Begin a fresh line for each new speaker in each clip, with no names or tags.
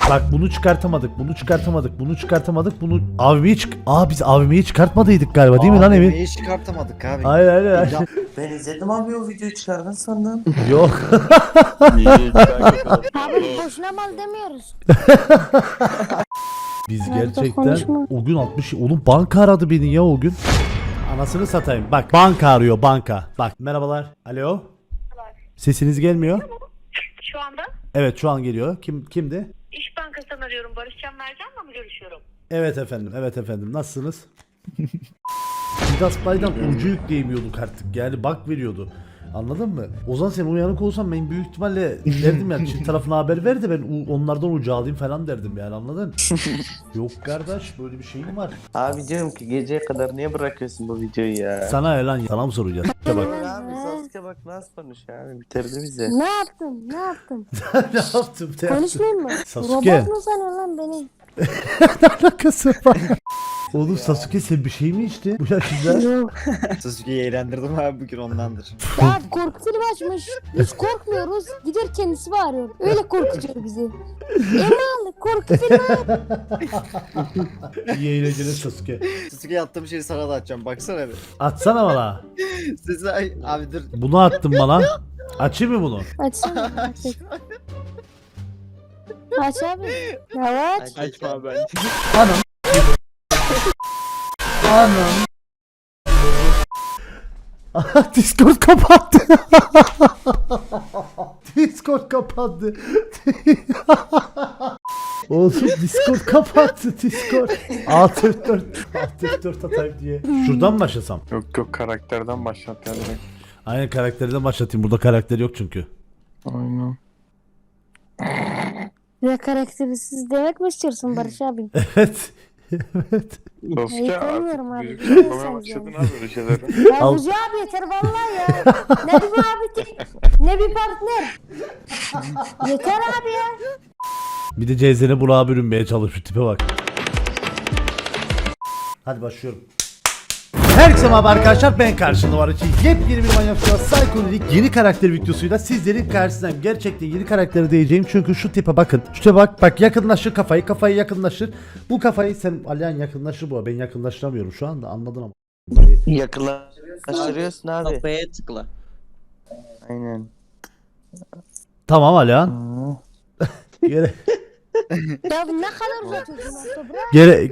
Bak bunu çıkartamadık. Bunu AVM'yi biz AVM'yi çıkartmadıydık galiba değil mi lan Emir?
Neyi çıkartamadık abi?
Hayır.
Ben izledim abi o videoyu çıkardın sandım.
Yok.
Abi boşuna mal demiyoruz.
Biz
Nerede
gerçekten
konuşma?
o gün 60 oğlum banka aradı beni ya o gün. Anasını satayım. Bak banka arıyor banka. Bak merhabalar. Alo. Sesiniz gelmiyor.
Şu anda
Evet şu an geliyor. Kimdi?
İş Bankası'ndan arıyorum. Barışcan Mercan'la mı görüşüyorum?
Evet efendim. Nasılsınız? Midas Bay'dan ucu yükleyemiyorduk artık. Yani bak veriyordu. Anladın mı? Ozan sen uyanık olsan ben büyük ihtimalle derdim yani Çin tarafına haber ver de ben onlardan ucu alayım falan derdim yani anladın? Yok kardeş böyle bir şeyim var.
Abi diyorum ki geceye kadar niye bırakıyorsun bu videoyu ya?
Sana lan sana mı soracağız? İşte bak.
Abi Sasuke bak nasıl konuşuyor abi bitirdi bizi.
Ne yaptım?
ne yaptım?
Konuşmayayım mı?
Sasuke.
Robot mu sanıyorsun lan beni?
Ne alakası var? Oğlum Sasuke sen bir şey mi içti bu yaşında?
Yok.
Sasuke'yi eğlendirdim abi bugün ondandır.
Ya korku filmi açmış. Hiç korkmuyoruz. Gider kendisi bağırıyor. Öyle korkutuyor bizi. Emal korku filmi.
İyi eğlenceler Sasuke.
Sasuke'ye attığım şeyi sana da atacağım baksana bir.
Atsana bana.
Sesi abi dur.
Bunu attın bana. Açayım mı bunu?
Açsana. Aç abi. Ya aç.
Açma abi.
Anam. Discord kapattı. Discord kapattı. Oğlum Discord kapattı Discord. Alt F4 atayım diye. Şuradan mı başlasam?
Yok karakterden başlat yani.
Aynen karakterden başlatayım. Burada karakter yok çünkü.
Aynen.
Ya karaktersiz demek mi istiyorsun Barış abi?
Evet.
Sasuke
tanımıyorum
artık
abi.
müzik yapmaya
Bilmiyorsanız
başladın
yani.
abi böyle şeyleri.
Ya
Al.
Bucu abi yeter vallahi ya. Ne bir muhabbeti, ne bir partner. Yeter abi ya.
Bir de CZ'ne Burak'a bürünmeye çalışıyor. Tipe bak. Hadi başlıyorum. Herkese merhaba arkadaşlar, ben karşında var için yepyeni bir Manyak Psycho'lik yeni karakter videosuyla sizlerin karşısındayım. Gerçekten yeni karakteri diyeceğim çünkü şu tipe bakın. Şu tipe bak yakınlaşır kafayı yakınlaşır. Bu kafayı sen Alihan yakınlaşır bu. Ben yakınlaştıramıyorum şu anda, anladın ama.
Yakınlaştırıyorsun abi.
Kafaya tıkla.
Aynen.
Tamam Alihan. Gere
Ya ne kadar uzatıyorsun orada bırak.
gere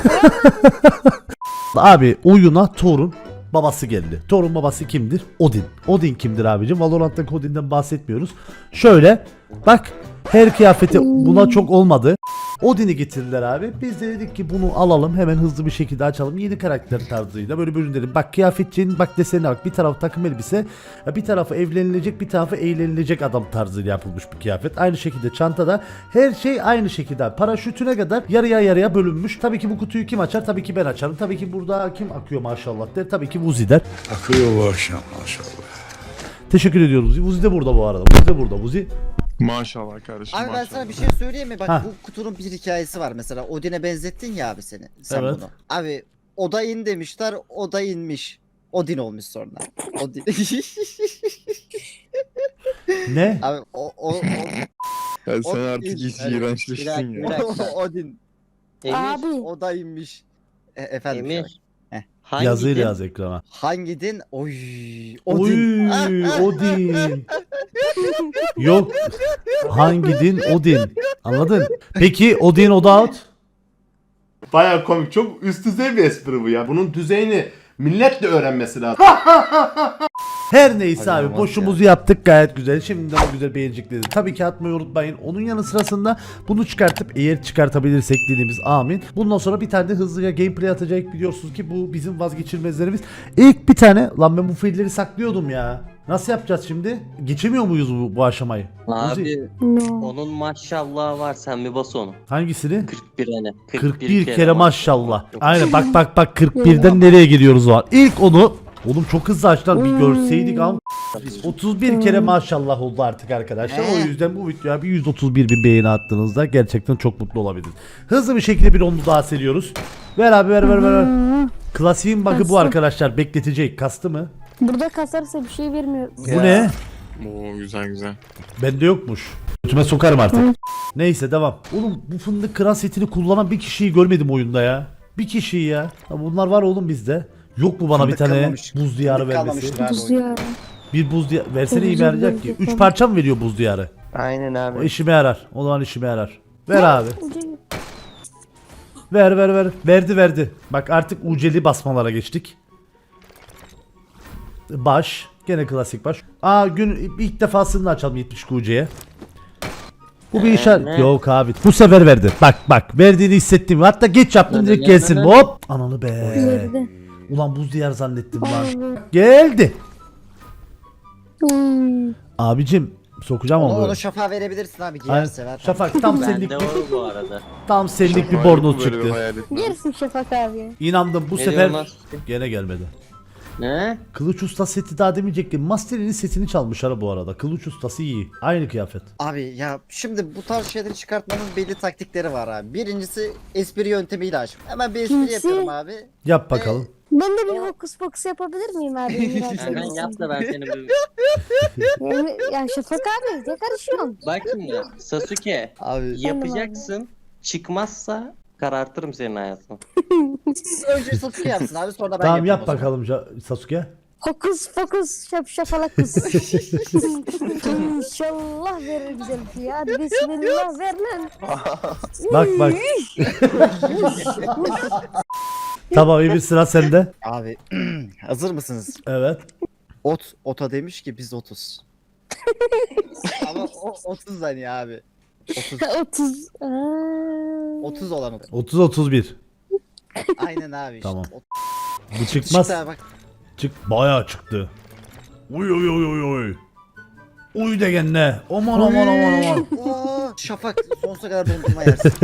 Abi oyuna Thor'un babası geldi. Thor'un babası kimdir? Odin. Odin kimdir abicim? Valorant'taki Odin'den bahsetmiyoruz. Şöyle bak, her kıyafeti buna çok olmadı. Odin'i getirdiler abi. Biz de dedik ki bunu alalım hemen hızlı bir şekilde açalım. Yeni karakter tarzıyla böyle bölüm. Bak kıyafetçinin bak desenine bak. Bir tarafı takım elbise, bir tarafı evlenilecek, bir tarafı eğlenilecek adam tarzıyla yapılmış bir kıyafet. Aynı şekilde çantada her şey aynı şekilde. Paraşütüne kadar yarıya bölünmüş. Tabii ki bu kutuyu kim açar? Tabii ki ben açarım. Tabii ki burada kim akıyor maşallah der. Tabii ki Vuzi der.
Akıyor bu akşam maşallah.
Teşekkür ediyoruz Vuzi. Vuzi de burada bu arada. Vuzi de burada. Vuzi.
Maşallah kardeşim
Abi ben
maşallah.
sana bir şey söyleyeyim mi? Bak
Ha.
bu kutunun bir hikayesi var mesela. Odin'e benzettin ya abi sen
Evet.
bunu. Abi o da in demişler, o da inmiş. Odin olmuş sonra. Odin.
Ne?
Abi o
Ya sen
O-
artık
Bir
iyice
dakika,
iğrençleştin
bir
ya.
dakika.
Odin.
Emir.
Abi.
O da inmiş. Efendim.
Emir.
Heh.
Hangi
Yazıyla
din?
yaz ekrana.
Hangi din? Oy.
Oy,
Odin.
Odin. Yok. Hangi din? Odin. Anladın? Peki Odin Oda Out?
Baya komik, çok üst düzey bir espri bu ya. Bunun düzeyini milletle öğrenmesi lazım.
Her neyse
Hadi
abi
olmaz
boşumuzu yaptık gayet güzel. Şimdiden o güzel beğenecekleri. Tabii ki atmayı unutmayın. Onun yanı sırasında bunu çıkartıp eğer çıkartabilirsek dediğimiz amin. Bundan sonra bir tane de hızlıca gameplay atacak, biliyorsunuz ki bu bizim vazgeçilmezlerimiz. İlk bir tane lan ben bu fiilleri saklıyordum ya. Nasıl yapacağız şimdi? Geçemiyor muyuz bu aşamayı? Uzi,
Abi
No.
onun maşallah var, sen bir bas onu.
hangisini?
41 hani.
41 kere maşallah. Aynen bak 41'den nereye gidiyoruz o an. İlk onu oğlum çok hızlı açtılar, bir görseydik ama 31 kere maşallah oldu artık arkadaşlar. O yüzden bu videoya bir 131 bin beğeni attığınızda gerçekten çok mutlu olabiliriz. Hızlı bir şekilde bir onu daha seriyoruz. Ver abi ver. Klasiğin bug'ı bu
Kastı.
arkadaşlar, bekletecek. Kastı mı?
Burada kasarsa bir şey vermiyor.
Bu ne?
Oo güzel güzel.
Bende yokmuş. Götüme sokarım artık. Neyse devam. Oğlum bu fındık kıran setini kullanan bir kişiyi görmedim oyunda ya. Bir kişiyi ya. Ha, bunlar var oğlum bizde. Yok mu bana
Fındık
bir tane
kalmamış.
buz diyarı
Fındık
vermesi?
kalmamıştır abi
Buz
oyunda.
diyarı.
Bir buz diyarı versene iyi
Buz
yarayacak ki.
diyarı.
3 parça mı veriyor buz diyarı?
Aynen
O
abi.
işime yarar. O zaman işime yarar. Ver abi.
Ucu-
Ver. Verdi. Bak artık uceli basmalara geçtik. Baş. Gene klasik baş. Gün ilk defasını açalım 70 UC'ye. Bu bir işaret.
ne?
Yok abi. Bu sefer verdi. Bak verdiğini hissettim. Hatta geç yaptım direkt gelsin. Hop. Ananı be.
Verdi.
Ulan buz diyar zannettim lan.
Abi.
Geldi.
Hmm.
Abicim sokacağım ama
Onu
böyle.
Şafak'a verebilirsin abi.
Aynen.
Giyer sever.
Şafak tam senlik
Bende
bir,
var bu arada.
tam senlik bir
Şafak
bornoz
böyle
çıktı.
hayal etmem.
Yersin Şafak abi.
İnandım bu
Ne
sefer
diyorsun
gene gelmedi.
Ne?
Kılıç Usta seti daha demeyecektim. Master'in setini çalmışlar bu arada. Kılıç Ustası iyi. Aynı kıyafet.
Abi ya şimdi bu tarz şeyleri çıkartmanın belli taktikleri var abi. Birincisi espri yöntemiyle aç. Hemen bir espri
Kimsi?
yapıyorum abi.
Yap bakalım.
Ben de bir hokus pokus yapabilir miyim abi?
Hemen yap da ben seni bir...
Ya Şafak abi ne karışıyorsun?
Bak şimdi Sasuke
Abi
yapacaksın. Çıkmazsa karartırım senin hayatını.
önce Sasuke yapsın abi sonra ben
Tamam
yapayım
yap
o zaman.
bakalım Sasuke.
Hokus pokus şapşafalakus. İnşallah verir güzel bir şey. Hadi bismillah ver lan.
Bak. Tamam bir sıra sende.
Abi hazır mısınız?
Evet.
Ota demiş ki biz 30. Ama o 30 hani abi. 30.
30.
30 olan o.
30-31.
Aynen abi işte.
Tamam.
O-
Bu çıkmaz.
Çıktı abi bak.
Bayağı çıktı. Uy. Uy de gene. Aman.
Oo, Şafak sonsuza kadar dondurma yersin.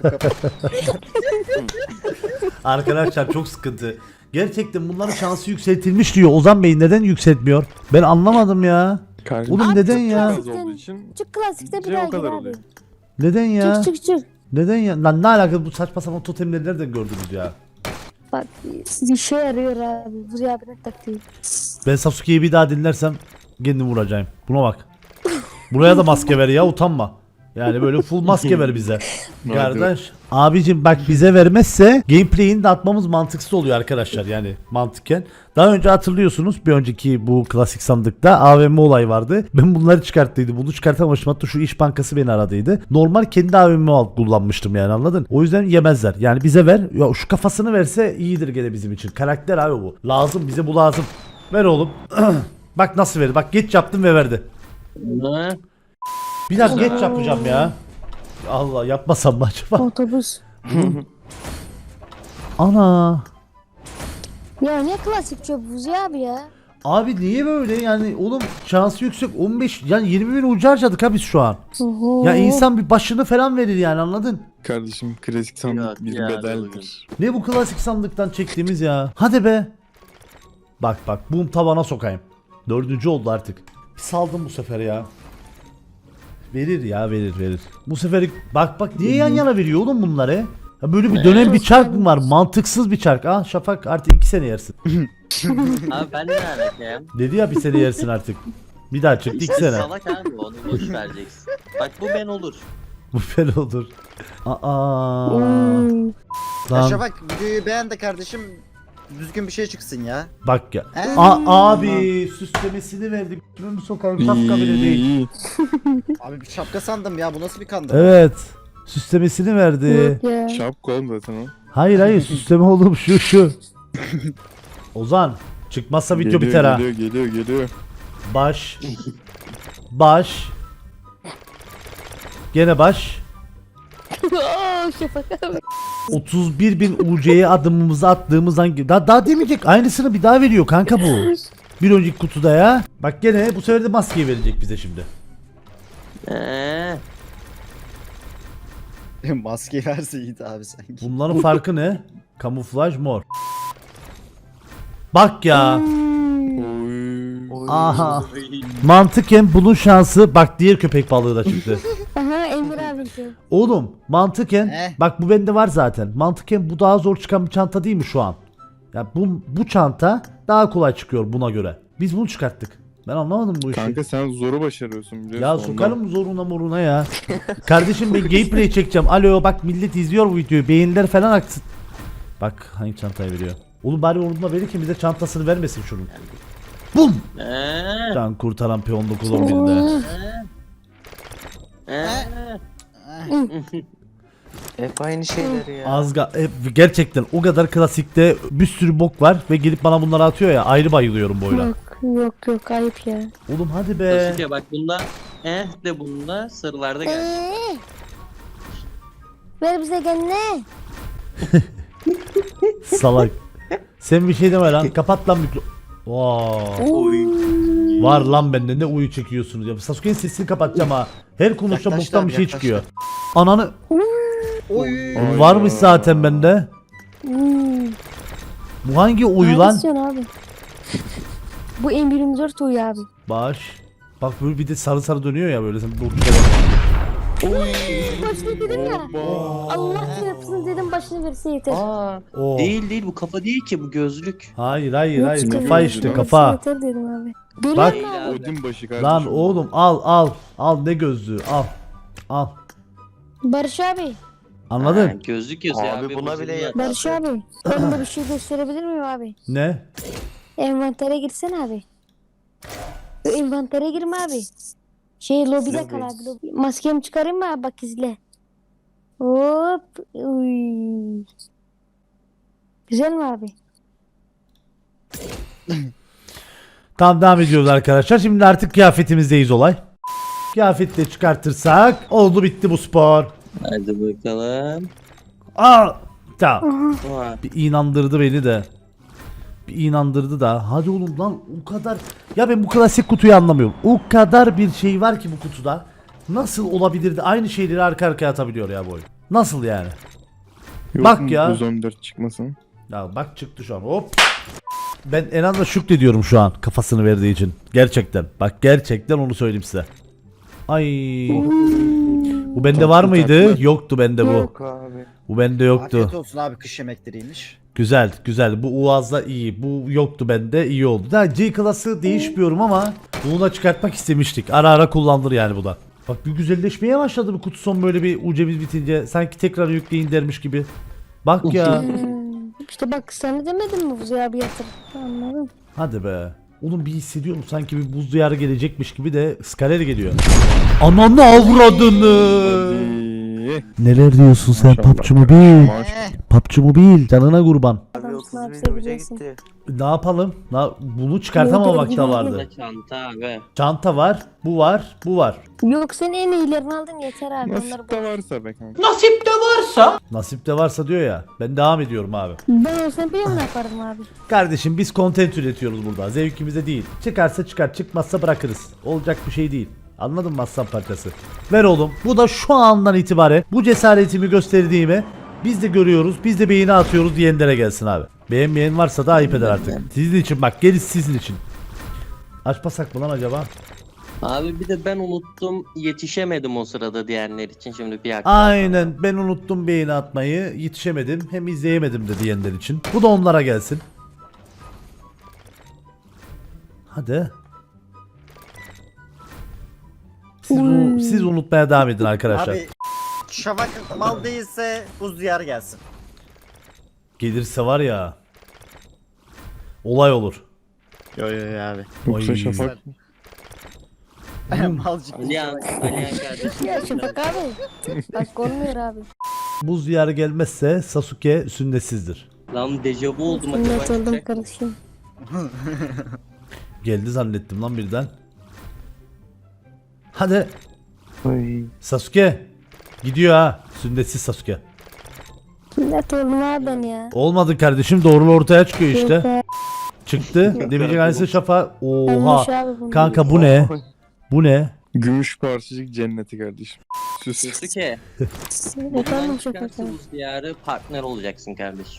Arkadaşlar çok sıkıntı. Gerçekten bunların şansı yükseltilmiş diyor. Ozan Bey neden yükseltmiyor? Ben anlamadım ya.
Kardeşim,
Oğlum neden ya?
az olduğu için
Çık klasikte bir
C
daha
o kadar
gir
oluyor.
abi.
Neden ya?
Çık.
Neden ya? Lan ne alaka bu saçma sapan totemleri nereden gördünüz ya?
Bak bir şey yarıyor abi. Buraya abi ne taktiği.
Ben Sasuke'yi bir daha dinlersem kendimi vuracağım. Buna bak. Buraya da maske ver ya utanma. Yani böyle full maske ver bize. Kardeş. Abicim bak bize vermezse gameplay'ini de atmamız mantıksız oluyor arkadaşlar yani mantıken. Daha önce hatırlıyorsunuz bir önceki bu klasik sandıkta AVM olay vardı. Ben bunları çıkarttıydım. Bunu çıkartamamıştım. Hatta şu İş Bankası beni aradıydı. Normal kendi AVM'mi kullanmıştım yani anladın? O yüzden yemezler. Yani bize ver. Ya şu kafasını verse iyidir gene bizim için. Karakter abi bu. Lazım bize bu lazım. Ver oğlum. Bak nasıl verdi. Bak geç yaptım ve verdi.
Ne?
Bir daha geç yapacağım ya. Allah yapmasam mı acaba?
Otobüs.
Ana.
Ya ne klasik çöp buzu abi ya.
Abi niye böyle yani oğlum şansı yüksek 15 yani 20 bin ucu harcadık ha biz şu an.
Oho.
Ya insan bir başını falan verir yani anladın?
Kardeşim klasik sandık
Yok
bir
ya,
bedeldir.
Ne bu klasik sandıktan çektiğimiz ya. Hadi be. Bak bum tavana sokayım. 4. oldu artık. Bir saldım bu sefer ya. Verir ya verir. Bu sefer bak niye yan yana veriyor oğlum bunları? Ya böyle bir dönem bir çark mı var? Mantıksız bir çark. Ah Şafak artık 2 sene yersin.
Abi ben ne alakayım?
Dedi ya bir sene yersin artık. Bir daha çıktı 2 sene.
Salak abi onu boş vereceksin. Bak bu ben olur.
Bu fel olur. Aa.
Hmm.
Ya
Lan
Şafak videoyu beğen de kardeşim. Düzgün bir şey çıksın ya.
bak ya.
He?
Abi süslemesini verdik. Ben bu sokağın şapka bile değil.
İyi.
Abi bir şapka sandım ya bu nasıl bir kandı?
Evet. Süslemesini verdi.
Yok ya.
Şapka oğlum zaten o.
Hayır süsleme oğlum şu. Ozan çıkmazsa video biter ha.
Geliyor.
Baş. Gene baş.
Oo Şafak abi.
31.000 UC'ye adımımızı attığımız hangi daha demeyecek aynısını bir daha veriyor kanka bu. Bir önceki kutuda ya. Bak gene bu sefer de maskeyi verecek bize şimdi.
Maske verse iyiydi abi sanki.
Bunların farkı ne? Kamuflaj mor. Bak ya.
Oy.
Aha. Mantıken bunun şansı bak diğer köpek balığı da çıktı.
Aha Emir abi.
Oğlum mantıken bak bu bende var zaten. Mantıken bu daha zor çıkan bir çanta değil mi şu an? Ya bu çanta daha kolay çıkıyor buna göre. Biz bunu çıkarttık. Ben anlamadım bu işi.
Kanka sen zoru başarıyorsun biliyorsun.
Ya
ondan.
sokarım zoruna moruna ya. Kardeşim ben gameplay çekeceğim. Alo bak millet izliyor bu videoyu. Beğeniler falan aksın. Bak hangi çantayı veriyor. Oğlum bari orduna verirken bize çantasını vermesin şunun. Bum! Can kurtaran P19 11'de.
Hep aynı şeyler ya.
Azga gerçekten o kadar klasikte bir sürü bok var ve gelip bana bunları atıyor ya ayrı bayılıyorum bu oyuna.
Yok ayıp ya.
Oğlum hadi be.
Sasuke bak bunda de bunda sırlarda gel.
Ver bize kendine.
Salak. Sen bir şey deme lan. Kapat lan mikro. Wow. Var lan bende ne uyu çekiyorsunuz ya. Sasuke'nin sesini kapatacağım ha. Her konuşta
Yaklaştı
boktan
abi,
bir şey
yaklaştı.
çıkıyor. Ananı
Oy.
Ay
varmış
ya.
zaten bende. Bu hangi uyu lan?
Abi. Bu M24 uyu abi.
Baş. Bak böyle bir de sarı sarı dönüyor ya böyle. Sen bu
Başını dedim ya. Allah çarpsın dedim başını verse yeter.
Aa,
Oo.
değil bu kafa değil ki bu gözlük.
Hayır hayır
Yok
hayır.
işte,
Kafa
yok.
işte
Verse
kafa.
Yeter dedim abi.
Bak.
Biliyor musun abi?
Odin başı kardeşim.
Lan oğlum al. Al ne gözlüğü al. Al.
Barış abi.
Ha,
Anladın?
gözlük yazıyor
Abi
abi.
buna
bozuldu
bile
zaten.
yeter.
Barış abi. Ben de bir şey gösterebilir miyim abi?
Ne?
Envantere girsene abi. Envantere girme abi. Lobide kal abi. Lobi. Maskemi çıkarayım mı abi bak izle. Hop. Uy. Güzel mi abi?
Tamam devam ediyoruz arkadaşlar. Şimdi artık kıyafetimizdeyiz olay. Kıyafetle çıkartırsak oldu bitti bu spor.
Hadi bakalım.
Aa, tamam.
Aa,
Bir inandırdı beni de. Bir inandırdı da. Hadi oğlum lan o kadar. Ya ben bu klasik kutuyu anlamıyorum. O kadar bir şey var ki bu kutuda. Nasıl olabilir de aynı şeyleri arka arkaya atabiliyor ya bu oyun. Nasıl yani?
Yok
Bak
mu
ya.
114 çıkmasın.
Ya bak çıktı şu an hop. Ben Enan'la şükrediyorum şu an kafasını verdiği için. Gerçekten. Bak gerçekten onu söyleyeyim size. Ay. Bu bende var mıydı? Yoktu bende bu.
Yok abi.
Bu bende yoktu.
Afiyet olsun abi, kış yemekleriymiş.
Güzel güzel. Bu Uaz'da iyi. Bu yoktu bende, iyi oldu. Da G klası değişmiyorum ama bunu da çıkartmak istemiştik. Ara ara kullanılır yani bu da. Bak bir güzelleşmeye başladı bu kutu son böyle bir ucemiz bitince. Sanki tekrar yükleyin dermiş gibi. Bak ya.
İşte bak sana demedim mi Buzi abi yatır. Anladım.
Hadi be. Oğlum bir hissediyorum sanki bir buz diyarı gelecekmiş gibi de skaler geliyor. Ananı avradını.
Hadi.
Neler diyorsun sen
Maşallah.
PUBG Mobile?
Maaş-
PUBG Mobile canına kurban.
Abi
Adamsın
30
abi,
bin uca
seveceksin.
gitti.
Ne yapalım? Bunu çıkartamamak da vardı.
çanta abi.
Çanta var, bu var, bu var.
Yok sen en iyilerini aldın yeter abi. Onları
Nasip de varsa be kanka.
Nasip de varsa diyor ya. Ben devam ediyorum abi.
Ben olsam biliyor ne yapardım abi.
Kardeşim biz content üretiyoruz burada. Zevkimize değil. Çıkarsa çıkar, çıkmazsa bırakırız. Olacak bir şey değil. Anladın mı aslan parçası? Ver oğlum. Bu da şu andan itibaren bu cesaretimi gösterdiğimi biz de görüyoruz. Biz de beğeni atıyoruz diyenlere gelsin abi. Beğenmeyen varsa da ayıp eder artık. Sizin için bak, gerisi sizin için. Açmasak mı lan acaba?
Abi bir de ben unuttum, yetişemedim o sırada diyenler için şimdi bir hak.
Aynen, ben unuttum beğeni atmayı, yetişemedim, hem izleyemedim de diyenler için. Bu da onlara gelsin. Hadi. Siz unutmaya devam edin arkadaşlar.
Abi Şafak mal değilse buz diyarı gelsin.
Gelirse var ya, olay olur.
Yo abi.
Yoksa
Oy.
Şafak.
Mal ciddi.
Alihan kardeşim.
Ya Şafak abi. Bak olmuyor abi.
Buz diyarı gelmezse Sasuke sünnetsizdir.
Lan dejavu oldum
Sünnet
acaba.
oldum kardeşim.
Geldi zannettim lan birden. Hadi
Oy.
Sasuke. Gidiyor ha. Sünnetsiz Sasuke.
Sünnet oldum abi ben ya.
Olmadı kardeşim, doğrulu ortaya çıkıyor işte.
Yok be.
Çıktı. Demeyecek aynısı şafa.
Ölmüş
Oha.
abi bunlar.
Kanka bu ne? Bu ne?
Gümüş parçacık cenneti kardeşim. Süs.
Sasuke.
Efendim
Bundan
Şafak
çıkarsa
abi.
bu diyarı partner olacaksın kardeşim.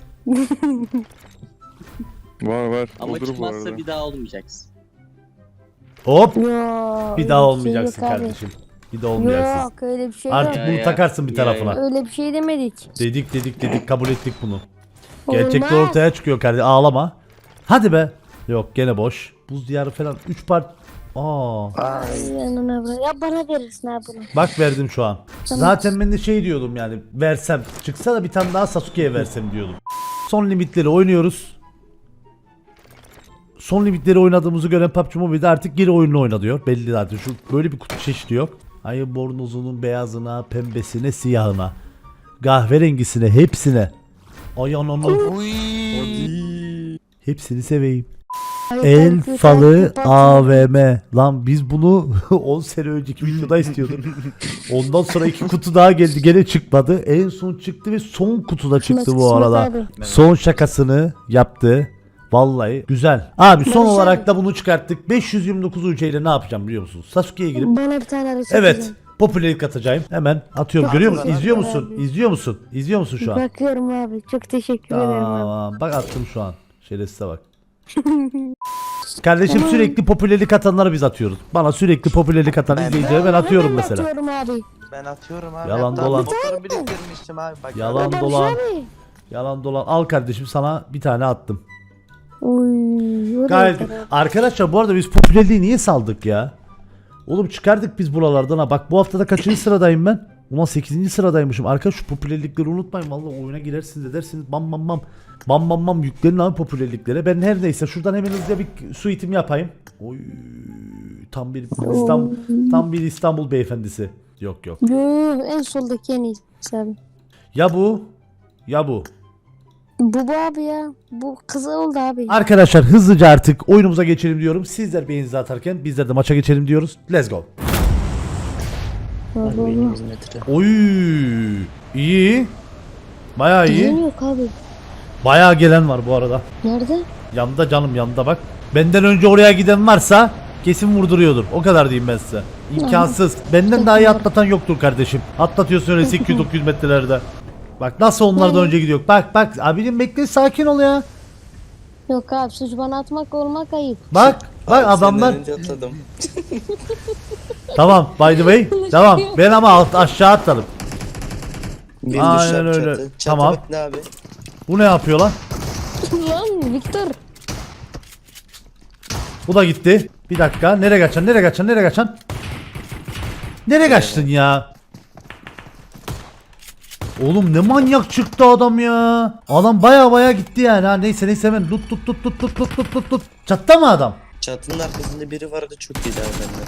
Var.
Ama
Olur bu
çıkmazsa
arada.
bir daha olmayacaksın.
Hop.
Yok.
Bir daha olmayacaksın kardeşim. Bir daha olmayacaksın.
Yok öyle bir şey
Artık
yok.
Ya,
bunu
ya.
takarsın bir
Ya,
tarafına.
ya.
Öyle bir şey demedik.
Dedik kabul ettik bunu. Gerçekler
Olmaz.
ortaya çıkıyor kardeşim. Ağlama. Hadi be. Yok gene boş. Buz diyarı falan 3 part.
Ay.
Yanına bırak. Ya bana verirsin abi bunu.
Bak verdim şu an.
Tamam.
Zaten ben de şey diyordum yani versem çıksa da bir tane daha Sasuke'ye versem diyordum. Son limitleri oynuyoruz. Son limitleri oynadığımızı gören PUBG Mobile'de artık geri oyununu oyna diyor. Belli zaten şu böyle bir kutu çeşidi yok. Ayı bornozunun beyazına, pembesine, siyahına, kahverengisine, hepsine. Ay ananı. Hepsini seveyim. El falı AVM. Lan biz bunu 10 sene önceki videoda istiyorduk. Ondan sonra 2 kutu daha geldi gene çıkmadı. En son çıktı ve son kutuda çıktı bu arada. Son şakasını yaptı. Vallahi güzel. Abi son
Barış
olarak
abi.
da bunu çıkarttık. 529 UC ile ne yapacağım biliyor musunuz? Sasuke'ye girip
Bana bir tane arası
evet popülerlik atacağım. Hemen atıyorum. Görüyor musun? İzliyor musun?
abi.
İzliyor musun? İzliyor musun şu an?
Bakıyorum abi. Çok teşekkür ederim abi.
Tamam. Bak attım şu an. Şerefsize bak. Kardeşim sürekli popülerlik atanları biz atıyoruz. Bana sürekli popülerlik atan izleyicilere ben atıyorum
Hemen
mesela.
atıyorum abi.
Ben atıyorum abi.
Yalan
Hatta
dolan.
motoru biriktirmiştim abi. Bak,
Yalan
Barış
dolan.
abi.
Yalan dolan. Al kardeşim sana bir tane attım.
Uy, o da
Gayet.
yeter abi.
Arkadaşlar bu arada biz popülerliği niye saldık ya? Oğlum çıkardık biz buralardan ha. Bak bu haftada kaçıncı sıradayım ben? Ulan 8. sıradaymışım. Arkadaş şu popülerlikleri unutmayın. Vallahi oyuna girersiniz edersiniz. Bam bam bam. Bam bam bam yüklenin abi popülerliklere. Ben her neyse şuradan hemen hızlıca bir suitim yapayım. Oy tam bir İstanbul beyefendisi. Yok yok.
Yo, en soldaki en iyisi abi.
Ya bu ya bu.
Bu abi ya. Bu kızı oldu abi.
Arkadaşlar hızlıca artık oyunumuza geçelim diyorum. Sizler beğeninizi atarken bizler de maça geçelim diyoruz. Let's go. Oy iyi. Bayağı iyi.
Gelen yok abi.
Bayağı gelen var bu arada.
Nerede?
Yanında canım yanında bak. Benden önce oraya giden varsa kesin vurduruyordur. O kadar diyeyim ben size. İmkansız. Benden daha iyi atlatan yoktur kardeşim. Atlatıyorsun öyle 800-900 metrelerde. Bak nasıl onlardan önce gidiyor. Bak bak abicim bekle sakin ol ya.
Yok abi suç bana atmak olmak ayıp.
Bak bak adamlar. Tamam by the way. Tamam ben ama aşağı atladım. Aynen öyle. Tamam. Bu ne yapıyor lan?
Lan Victor.
Bu da gitti. Bir dakika. Nereye kaçan? Nereye kaçan? Nereye kaçan? Nereye kaçtın ya? Oğlum ne manyak çıktı adam ya. Adam baya baya gitti yani. Ha neyse neyse hemen tut. Çattı mı adam?
Çatının arkasında biri vardı çok iyi bende.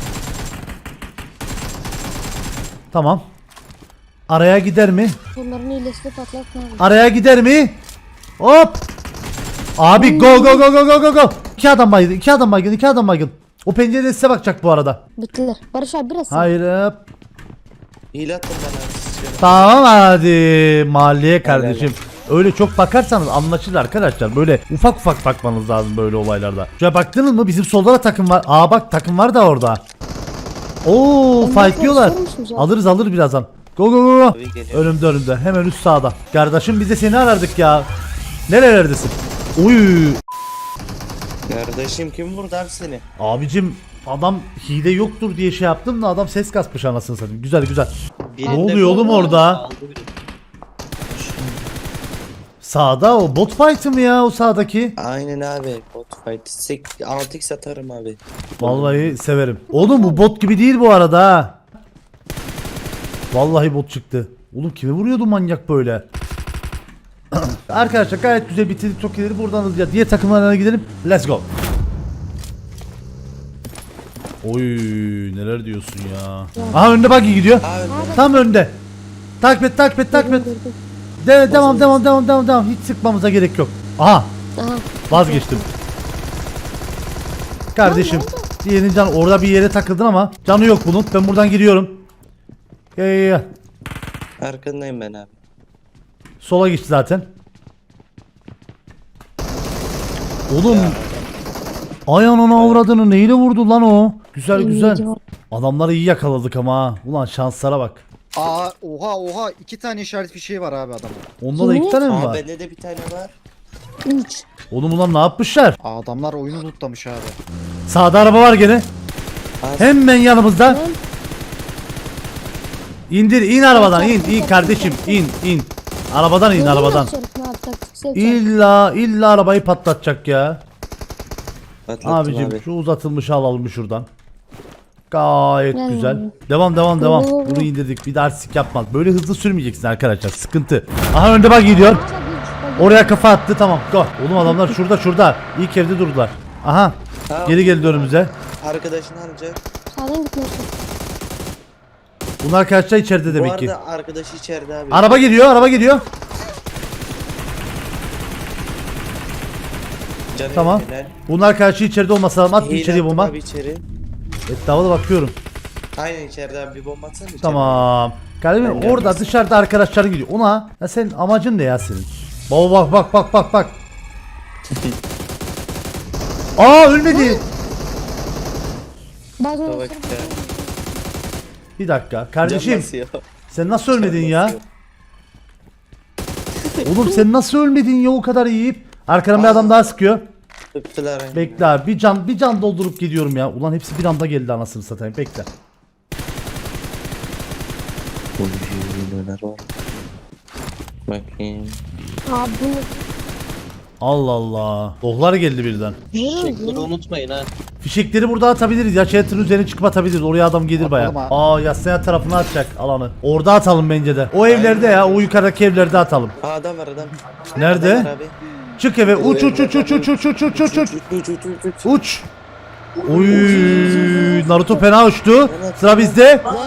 Tamam. Araya gider mi?
Bunların iyilesini patlatma abi.
Araya gider mi? Hop. Abi go. 2 adam baygın, 2 adam baygın, 2 adam baygın. O pencerede size bakacak bu arada.
Bittiler. Barış abi biraz.
Hayır. Hop.
Hile attım ben abi.
Tamam hadi mahalleye kardeşim. Öyle çok bakarsanız anlaşılır arkadaşlar. Böyle ufak ufak bakmanız lazım böyle olaylarda. Şuraya baktınız mı bizim solda da takım var. Aa bak takım var da orada. Oo fightlıyorlar. Alırız birazdan. Go. Önümde hemen üst sağda. Kardeşim biz de seni arardık ya. Nerelerdesin? Uy.
Kardeşim kim vurdu abi seni?
Abicim adam hile yoktur diye şey yaptım da adam ses kasmış anasını satayım. Güzel. Ne oluyor oğlum orada? Sağda o bot fight'ı mı ya o sağdaki?
Aynen abi bot fight. 6x atarım abi.
Vallahi severim. Oğlum bu bot gibi değil bu arada ha. Vallahi bot çıktı. Oğlum kime vuruyordu manyak böyle? Arkadaşlar gayet güzel bitirdik çok ileri buradan hızlıca diğer takımlarına gidelim. Let's go. Oy neler diyorsun ya. Aha önde buggy gidiyor.
Abi
Tam önde. Takip et. Devam. Hiç sıkmamıza gerek yok. Aha
Aha.
vazgeçtim. Kardeşim diğerinin canı orada bir yere takıldın ama canı yok bunun. Ben buradan gidiyorum. Gel.
arkandayım ben abi.
Sola geçti zaten. Oğlum ay anana avradını neyle vurdu lan o? Güzel. Adamları iyi yakaladık ama ha. Ulan şanslara bak.
Aa oha 2 tane işaret fişeği var abi adamın.
Onda da 2 tane mi
Aa
var?
bende de bir tane var.
3.
Oğlum ulan ne yapmışlar?
Adamlar oyunu lootlamış abi.
Sağda araba var gene. Hemen yanımızda. İn arabadan in kardeşim in. Arabadan in arabadan. İlla arabayı patlatacak ya.
Atlattım
Abicim
abi.
şu uzatılmışı alalım şuradan. Gayet
Yani.
güzel. Devam.
Oo.
Bunu indirdik. Bir daha artistik yapmaz. Böyle hızlı sürmeyeceksin arkadaşlar. Sıkıntı. Aha önde bak gidiyor. Oraya kafa attı, tamam. Go. Oğlum adamlar şurada. İlk evde durdular. Aha.
Ha,
Geri geldi önümüze.
Arkadaşını alacak.
Sağdan gitmiyorsun.
Bunlar kaçta içeride
Bu
demek ki.
arada arkadaşı içeride abi.
Araba geliyor.
Canı
Tamam.
helal.
Bunlar karşı içeride olmasa lazım. At bir
Hile
içeriye
attım
bomba.
Abi içeri.
Etrafa da bakıyorum.
Aynen içeride abi bir bomba atsana içeri.
Tamam. Kardeşim
Ben
orada
gelmez.
dışarıda arkadaşların gidiyor. Ona ya senin amacın ne ya senin? Baba bak. Aa ölmedi.
Bazen
Bak ya.
Bir dakika. Kardeşim
Can basıyor.
sen nasıl ölmedin
Can
ya?
basıyor.
Oğlum sen nasıl ölmedin ya o kadar yiyip? Arkadan bir adam daha sıkıyor.
Öptüler aynen.
Bekle abi bir can doldurup gidiyorum ya. Ulan hepsi bir anda geldi anasını satayım. Bekle.
Oy, neler var. Bakayım.
Abi bu
Allah Allah. Dohlar geldi birden.
Çekleri unutmayın ha.
Fişekleri burada atabiliriz ya. Chat'in üzerine çıkıp atabiliriz. Oraya adam gelir baya.
Atalım
Aa Yassıya tarafına atacak alanı. Orada atalım bence de. O evlerde ya. O yukarıdaki evlerde atalım.
Aa adam var adam.
Nerede?
Adam var abi.
Çık eve. Uç. Uç. Oy Naruto fena uçtu. Sıra bizde.
Lan!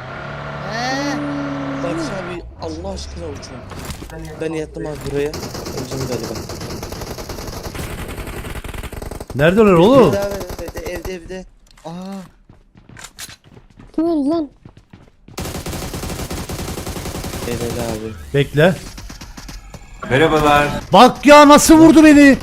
Barış abi Allah aşkına uçun. Ben yattım abi buraya. Öncüm galiba.
Nerede öyle oğlum?
Bir daha ver, evde.
Aa.
kim öldü lan?
Helal abi.
Bekle. Merhabalar. Bak ya nasıl vurdu beni.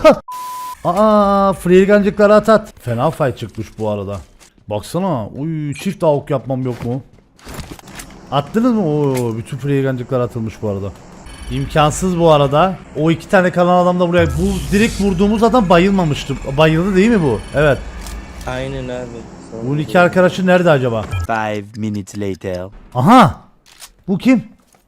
Aa freelgancıkları at. Fena fight çıkmış bu arada. Baksana. Uy çift avuk yapmam yok mu? Attınız mı? Oo bütün freelgancıklar atılmış bu arada. İmkansız bu arada. O iki tane kalan adam da buraya. Bu direkt vurduğumuz adam bayılmamıştı. Bayıldı değil mi bu? Evet.
Aynen abi. Sonra
Bunun iki arkadaşı nerede acaba?
5 minutes later.
Aha. Bu kim?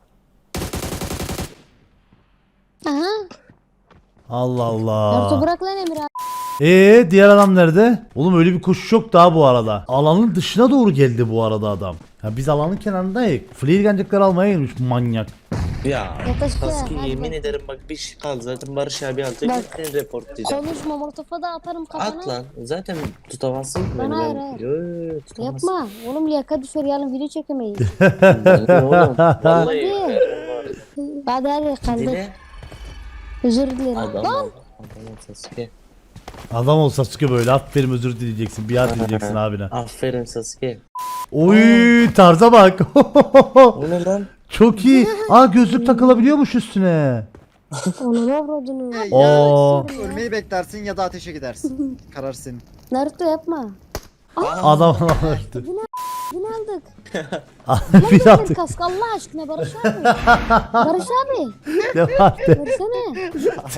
Aha.
Allah
Naruto
Allah.
bırak lan Emir abi.
Diğer adam nerede? Oğlum öyle bir koşu yok daha bu arada. Alanın dışına doğru geldi bu arada adam. Ya biz alanın kenarındayız. Freelgancıkları almaya gelmiş manyak.
Ya.
Yaklaşık ya,
Sasuke
hadi
yemin
bak.
ederim bak bir şey kaldı zaten Barış abi alacak.
Bak.
Ben report diyeceğim.
Konuşma molotofa da atarım kafana.
At lan. Zaten tutamazsın ki beni.
Lan hayır,
Ben...
hayır.
Yo, tutamazsın.
Yapma. Oğlum liyakat düşer yarın video çekemeyiz.
Oğlum vallahi.
Hadi kaldır.
Dile.
Özür dilerim.
Adam
Lan.
ol. Adam ol Sasuke.
Adam olsa Sasuke böyle aferin özür dileyeceksin. Biat dileyeceksin abine.
Aferin Sasuke.
Oy tarza bak.
O ne lan?
Çok iyi. Aa gözlük takılabiliyormuş üstüne.
Onu ne avradını?
Oo.
Ölmeyi beklersin ya da ateşe gidersin. Karar senin.
Naruto yapma.
Adam işte.
Bunu aldık.
Bir
Lan
attık.
kask Allah aşkına Barış abi. Barış abi.
Devam de.
Versene.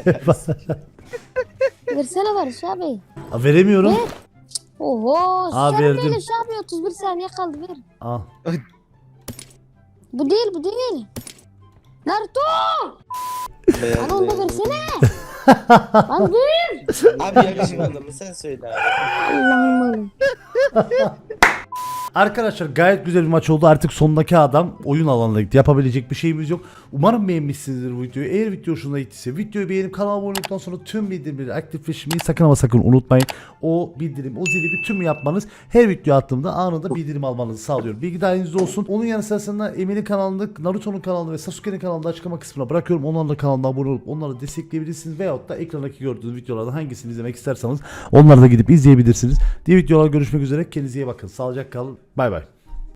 Versene Barış abi.
Veremiyorum.
Oho.
Aa,
Sen
verdim.
böyle şey abi 31 saniye kaldı ver.
Al.
Bu değil. Naruto. Bana onu da versene. Lan dur.
Abi yakışmadı mı sen söyle abi.
Allah'ım.
Arkadaşlar gayet güzel bir maç oldu. Artık sondaki adam oyun alanına gitti. Yapabilecek bir şeyimiz yok. Umarım beğenmişsinizdir bu videoyu. Eğer video hoşuna gittiyse videoyu beğenip kanala abone olduktan sonra tüm bildirimleri aktifleştirmeyi sakın ama sakın unutmayın. O bildirim, o zili bir tüm yapmanız her video attığımda anında bildirim almanızı sağlıyor. Bilgi dahilinizde olsun. Onun yanı sırasında Emir'in kanalını, Naruto'nun kanalını ve Sasuke'nin kanalını açıklama kısmına bırakıyorum. Onların da kanalına abone olup onları destekleyebilirsiniz. Veyahut da ekrandaki gördüğünüz videolardan hangisini izlemek isterseniz onları da gidip izleyebilirsiniz. Diğer videolarda görüşmek üzere. Kendinize iyi bakın. Sağlıcakla kalın. Bay bay.